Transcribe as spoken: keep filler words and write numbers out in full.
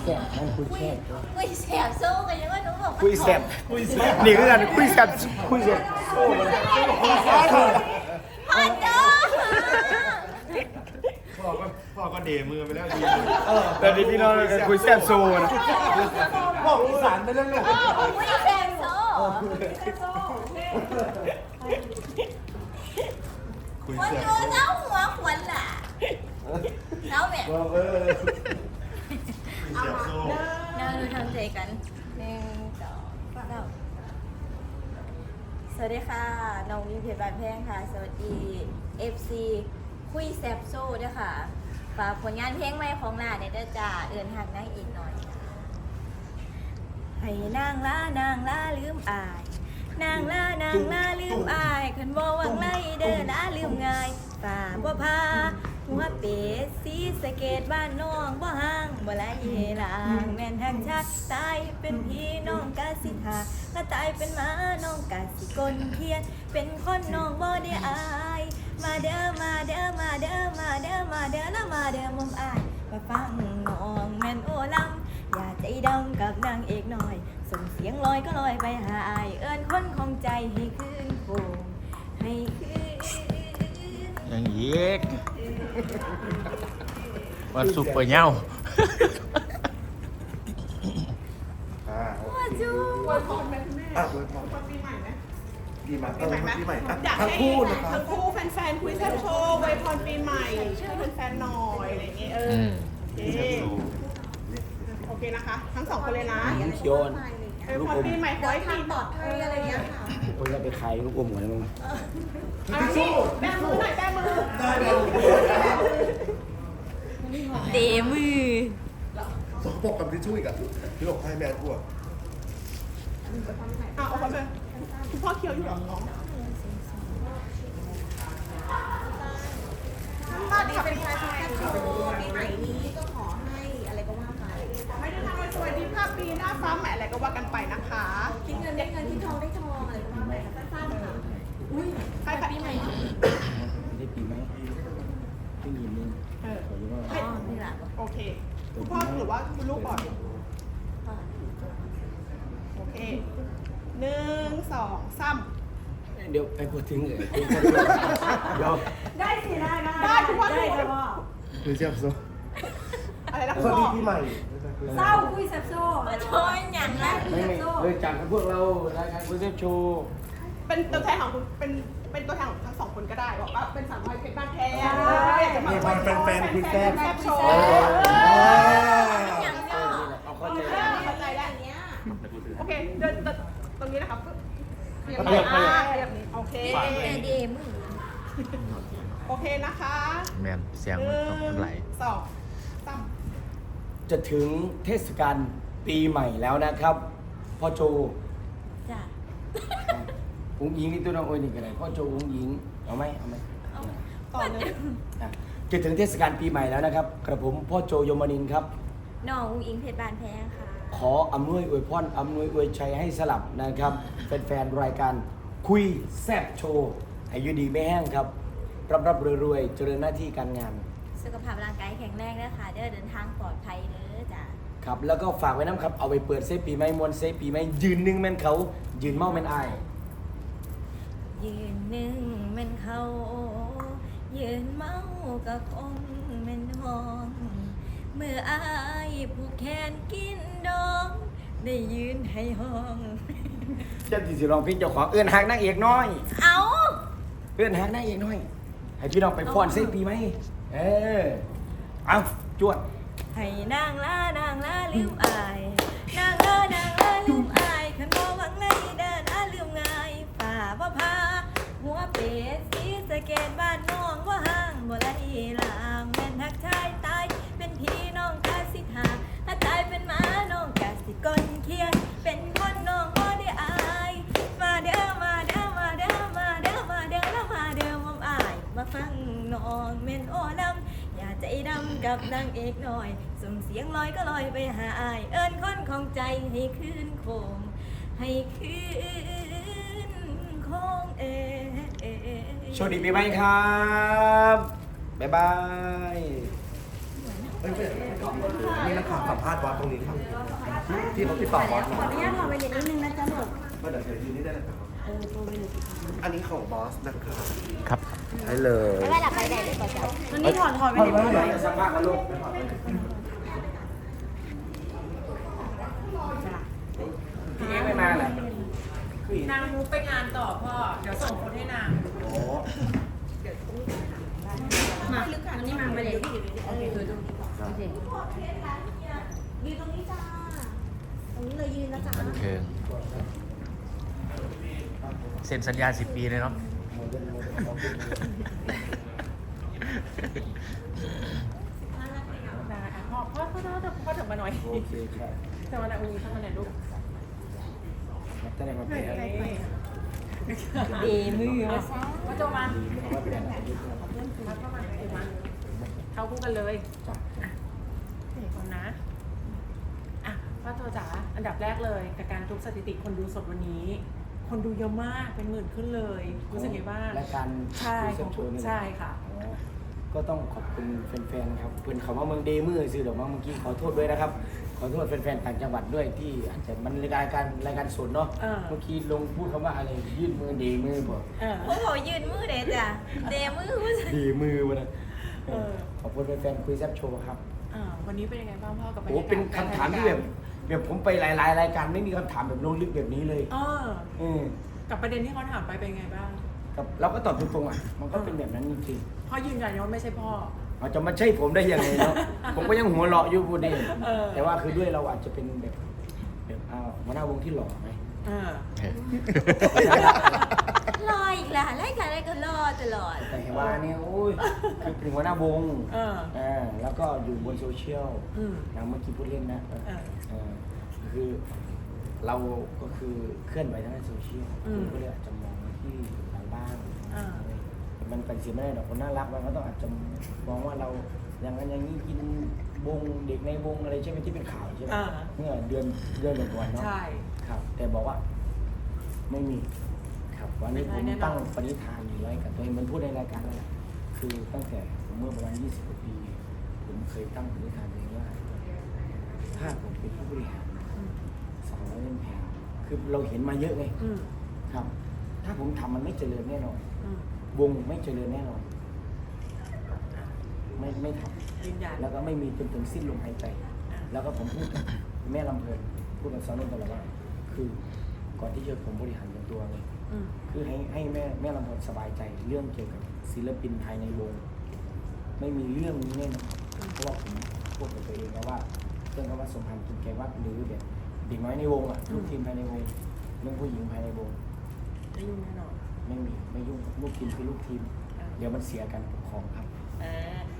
แสบนั่งคุยแสบคุยแสบสู้กันยังว่าหนูบอกคุยแสบคุยแสบนี่คือกันคุยแสบคุยแสบโอ้มันคุยแสบพ่อจ้าพ่อก็พ่อก็เดมือไปแล้วดีแต่นี่พี่น้องกันคุยแสบโซนะพ่ออีสานไปแล้วเนี่ยคุยแสบสู้คุยวันเสียดูเจ้าหัวขวัญล่ะเจ้าแบบบอกเออคุยเสียโซ่เราดูทำใจกันหนึ่งสองสามสวัสดีค่ะน้องวิวเพชรบานแพงค่ะสวัสดี เอฟ ซี คุยแซบโซ่ด้วยค่ะฝากผลงานเพลงใหม่ของหลานเนี่ยด้วยจ้าเอื่นหักนั่งอีกหน่อยให้นางล่านางล่าลืมอาย นางล่านางล่าลืมอายคันบ่วังไล่เดินล่าลืมง่ายฝ่าบ่พาหัวเป็ดสีสะเกตบ้านน้องบ่ห่างบ่ไหลลางแม่นทางชาติตายเป็นพี่น้องกาสิทาถ้าตายเป็นหมาน้องกาสิกลเทียนเป็นคนน้องบ่ได้อายมาเด้อมาเด้อมาเด้อมาเด้อมาเด้อแล้วมาเด้อมุมอายมาฟังน้องแม่นโอลำอย่าใจดำกับนางเอกหน่อยส่งเสียงลอยก็ลอยไปหาอายเอิ้นคนของใจให้คืนโคงให้คืนอย่างอีกวันสุกเปอร์เน่าอ่าว่าจูอ่ะเลยพอปีใหม่ไหมปีใหม่เออปีใหม่อยากทั้งให้คู่นะครับทั้งคู่แฟนๆคุยแซ่บโชว์ไวยพรปีใหม่ช่วยแฟนๆหน่อยอะไรอย่างเงี้ยเออโอเคโอเคนะคะ ทั้งสองคนเลยนะเขียวไวยพรปีใหม่ขอให้ปีปลอดภัยอะไรอย่างเงี้ยค่ะคนจะไปขายลูกอมหัวมึงอันนี้แบมือหน่อยแบมือได้เลยเดมือสองปกกับทิชชู่อีกอ่ะพี่บอกให้แม่กลัวอ่ะเอาไปเลยคุณพ่อเคี้ยวอยู่หรอน้องสวัสดีค่ะเป็นใครปีใหม่นี้ก็ขอให้อะไรก็ว่าไปไม่ได้ทำอะไรสวัสดีภาพปีหน้าฟ้าใหม่อะไรก็ว่ากันไปนะคะคิดเงินได้เงินคิดทองได้ทองอะไรก็ว่าไปสั้นๆค่ะอุ้ยใครปีใหม่ได้ปีไหมไม่ยินนึงเออขอรู้ว่าอ๋อนี่แหละโอเค คุณพ่อหรือว่าคุณลูกก่อน โอเค หนึ่ง สองสามเดี๋ยวไปพูดถึงเลยเดี๋ยวได้สิได้ได้คุณพ่อได้คุณพ่อคุยเสียโซ่อะไรนะสคุณวัสพ่ดีอปีใหม่เศร้าคุยแซ่บโซ่มาโชยอย่างนั้นไม่ไม่เลยจากพวกเรารายการคุยแซบโชว์เป็นตัวแทนของคุณ เป็น เป็นตัวแทนของทั้งสองคนก็ได้ บอกว่าเป็นสามร้อยเพชรบ้านแท้จะมาคุยแฟนคุยแฟนแซ่บโชว์อย่างนี้เอาเข้าเข้าใจใจเข้าใจแล้วโอเค เดินตรงนี้นะครับเรียบเรียบร้อยเรียบนี้โอเคเดมือโอเคนะคะแมนเสียงหมันนึ่ต้องไหลงสองสามจะถึงเทศกาลปีใหม่แล้วนะครับพ่อโจจ้ะอุ้งยิงนี่ตัวน้องโอ้ยนี่กันเลยพ่อโจอุ้งยิงเอาไหมเอาไหมต่อเลยอ่ะจะถึงเทศกาลปีใหม่แล้วนะครับกระผมพ่อโจยมนินทร์ครับน้องอุ้งอิงเพชรบานแพงค่ะขออำนวยอวยพรอำนวยอวยชัยให้สลับนะครับแฟนๆรายการคุยแซบโชว์อายุดีไม่แห้งครับรับรับรวยๆเจริญหน้าที่การงานสุขภาพร่างกายแข็งแรงนะคะเด้อเดินทางปลอดภัยเด้อจ้ะครับแล้วก็ฝากไว้น้ำครับเอาไปเปิดเซฟปีใหม่มวนเซฟปีใหม่ยืนหนึ่งแม่นเขายืนเมาแม่นอายยืนหนึ่งแม่นเขา ยืนเมาก็คงแม่นห้อง เมื่ออายผูกแขนกินดอง ได้ยืนให้ห้องเจ้าที่สิร้องเพลงเจ้าของเอื้อนหักนางเอกน้อยเอาเอื้อนหักนางเอกน้อย ให้พี่น้องไปฟ้อนเซฟปีใหม่เออเอาจวดให้นางลานางลาลืมอาย นางลานางลาลืมอายขันบ่หวังเลยเดินอาลืมง่ายป่าบ่พา หัวเป็ดสีสะเกตบ้านน้องบ่ห่างบ่ไหลลางแม่นทักชายตายเป็นพี่น้องกาสิทาถ้าตายเป็นหมาน้องกาสิกลเคียนเป็นคนน้องบ่ได้อายมาเด้อมาเด้อมาเด้อมาเด้อมาเด้อแล้วมาเด้อมอมอายมาฟังน้องเม่นโอลำอย่าใจดำกับนางเอกหน่อยส่งเสียงลอยก็ลอยไปหาอายเอิ้นคนของใจให้คืนโคงให้คืนโคงเอโชคดีปีใหม่ครับ บ๊ายบายเอ้ยไม่นี่นักข่าวสัมภาษณ์บอสตรงนี้ครับที่เขาติดต่อบอสขมาออนุญาตถอดไปนิดนึงนะจ๊ะลูกไม่เดี๋ยวเชิญยืนนี่ได้เลยครับเออโทรไปเลยอันนี้ของบอสนะครับครับใช่เลยไม่หลับไปไหนเลยก่อนจ้ะวันนี้ถอดถอดไปนิดนึงหน่อยสัมภาษณ์กันลูกพี่เอ๊ไม่มาเหรอนางมูไปงานต่อพ่อ เดี๋ยวส่งคนให้นางโอ้มาวันนี้มาไปเลยโอเคคือตรงนี้โอเคยืนตรงนี้จ้าตรงนี้เลยยืนนะจ๊ะบันเทิงเซ็นสัญญาสิบปีเลยเนาะได้อ่ะพ่อพ่อพ่อพ่อพ่อถึงมาหน่อยโอเคครับจะมาหน่อยอุ้งเข้ามาหน่อยลูกมาแต่ไหนมาเป็นอะไรเดมือมาซะพ่อโจมามาเป็นอะไรพ่อเข้ามาเดี๋ยวมาเข้าคู่กันเลยจ้ะเด็กคนนะอ่ะพ่อโจจ๋าอันดับแรกเลยกับการทุบสถิติคนดูสดวันนี้ คนดูเยอะมากเป็นหมื่นขึ้นเลยรู้สึกไงบ้างรายการใช่คุยแซ่บโชว์นี่ใช่ค่ะอ๋อก็ต้องขอบคุณแฟนๆครับเพื่อนเขาว่าเมืองเดมือซื้อดอกไม้เมื่อกี้ขอโทษด้วยนะครับ ขอโทษแฟนๆต่างจังหวัดด้วยที่อาจจะมันรายการรายการสดเนาะเออเมื่อกี้ลงพูดคำว่าอะไรยื่นมือเดมือบอกเออโอ้โหยืนมือเด็ดจ้ะเดมือผู้ชายเดมือวะนะเออขอบคุณแฟนๆคุยแซ่บโชว์ครับอ่าวันนี้เป็นยังไงบ้างพ่อกับบรรโอ้ยากาศเป็นคำถามที่แบบแบบผมไปหลายๆรายการไม่มีคำถามแบบลงลึกแบบนี้เลยเออเออกับประเด็นที่เขาถามไปเป็นไงบ้างกับเราก็ตอบตรงๆอ่ะมันก็เป็นแบบนั้นจริงพ่อยืนยันว่าไม่ใช่พ่อๆเราจะมาใช่ผมได้ยังไงเนาะ ผมก็ยังหัวเราะอยู่พูดเองเออแต่ว่าคือด้วยเราอาจจะเป็นแบบแบบอ้าวหัวหน้าวงที่หล่อไหมเออรออีกล่ะรายการอะไรก็รอตลอดแต่เห็นว่าเนี่ยโอ้ยคือเป็นหัวหน้าวงเอออ่าแล้วก็อยู่บนโซเชียลอืมนะเมื่อกี้พูดเล่นนะเออเออเออคือเราก็คือเคลื่อนไหวทางด้านโซเชียลอืมก็เลยอาจจะมองที่เราบ้างอ่ามันเป็นเสียไม่ได้หรอกคนน่ารักมันก็ต้องอาจจะมองว่าเราอย่างนั้นอย่างนี้กินวงเด็กในวงอะไรใช่ไหมที่เป็นข่าวใช่ไหมอ่าเมื่อเดือนเดือนก่อนๆเนาะใช่ครับ แต่บอกว่าไม่มีครับวันนี้ผมไม่ได้แน่นอนตั้งปณิธานอยู่ไว้กับตัวเองมันพูดในรายการแล้วแหละคือตั้งแต่ผมเมื่อประมาณยี่สิบกว่าปี ผมเคยตั้งปณิธานเองว่า ถ้าผมเป็นผู้บริหารอืมสองร้อยเล่มแพงคือเราเห็นมาเยอะไงอืมครับ ถ้าผมทำมันไม่เจริญแน่นอนอืมวงไม่เจริญแน่นอน ไม่ไม่ทยืนยันำแล้วก็ไม่มีจนถึงสิ้นลมหายใจอ่ะแล้วก็ผมพูดกับแม่ลำเพลินพูดกับสาวนุ่นตลอดว่า คือก่อนที่จะผมบริหารเป็นตัวไงอืมคือให้ให้แม่แม่ลำเพลินสบายใจเรื่องเกี่ยวกับศิลปินภายในวง ไม่มีเรื่องนี้แน่นอนเพราะว่าผมพูดกับตัวเองนะว่าเรื่องคำว่าสมพันธ์กินแกวัดหรือแบบเด็กน้อยในวงอ่ะลูกทีมภายในวงเรื่องผู้หญิงภายในวงไม่ยุ่งแน่นอนไม่มีไม่ยุ่งลูกทีมคือลูกทีมอ่าเดี๋ยวมันเสียกันปกครองครับอ่า